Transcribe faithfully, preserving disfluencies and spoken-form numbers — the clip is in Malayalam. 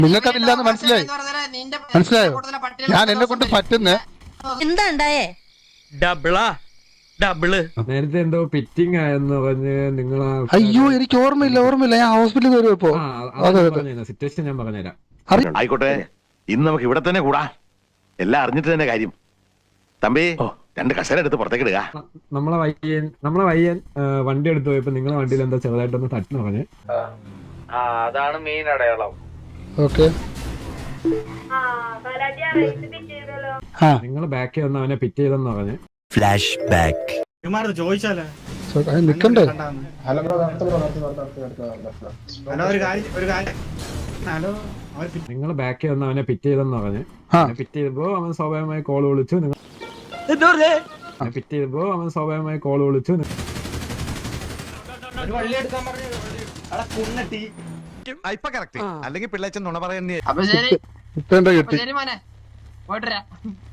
നിങ്ങൾക്കതില്ലാന്ന് മനസ്സിലായി മനസ്സിലായോ? ഞാൻ എന്നെ കൊണ്ട് പറ്റുന്ന എന്താ ഉണ്ടായേ? ഡബിളാ ഡബിള് നേരത്തെ എന്തോ പിറ്റിംഗ് ആയെന്ന് പറഞ്ഞ് നിങ്ങൾ അയ്യോ എനിക്ക് ഓർമ്മയില്ല ഓർമ്മയില്ല ഞാൻ ഹോസ്പിറ്റലിൽ വരും ഇപ്പോ. സിറ്റുവേഷൻ ഞാൻ പറഞ്ഞുതരാം. ആയിക്കോട്ടെ, ഇന്ന് നമുക്ക് ഇവിടെ തന്നെ കൂടാ. എല്ലാം അറിഞ്ഞിട്ട് തന്നെ കാര്യം. തമ്പി രണ്ട് കസേര എടുത്ത് പുറത്തേക്ക് ഇടുക. നമ്മളെ വയ്യൻ നമ്മളെ വയ്യൻ വണ്ടി എടുത്ത് പോയപ്പോ നിങ്ങളെ വണ്ടിയിൽ എന്താ ചെറുതായിട്ടൊന്ന് തട്ടിന് പറഞ്ഞ്. അതാണ് മെയിൻ അടയാളം. ഓക്കെ നിങ്ങൾ ബാക്കിൽ വന്ന് അവനെ പിറ്റ് ചെയ്തെന്ന് പറഞ്ഞ്. ഫ്ലാഷ് ബാക്ക് ചോദിച്ചാലേ നിക്കണ്ടേ? ഹലോ ഒരു കാര്യം ഒരു കാര്യം ഹലോ നിങ്ങൾ ബാക്കിൽ വന്ന് അവനെ പിറ്റ് ചെയ്തെന്ന് പറഞ്ഞ്. പിറ്റ് ചെയ്തപ്പോ അവൻ സ്വാഭാവികമായി കോൾ വിളിച്ചു. നിങ്ങൾ പിറ്റ് ചെയ്തപ്പോ അവൻ സ്വാഭാവികമായി കോൾ വിളിച്ചു. അല്ലെങ്കിൽ പിള്ളേച്ചൻ നുണ പറയുന്നേ. കിട്ടി മോനെ പോയിട്ട്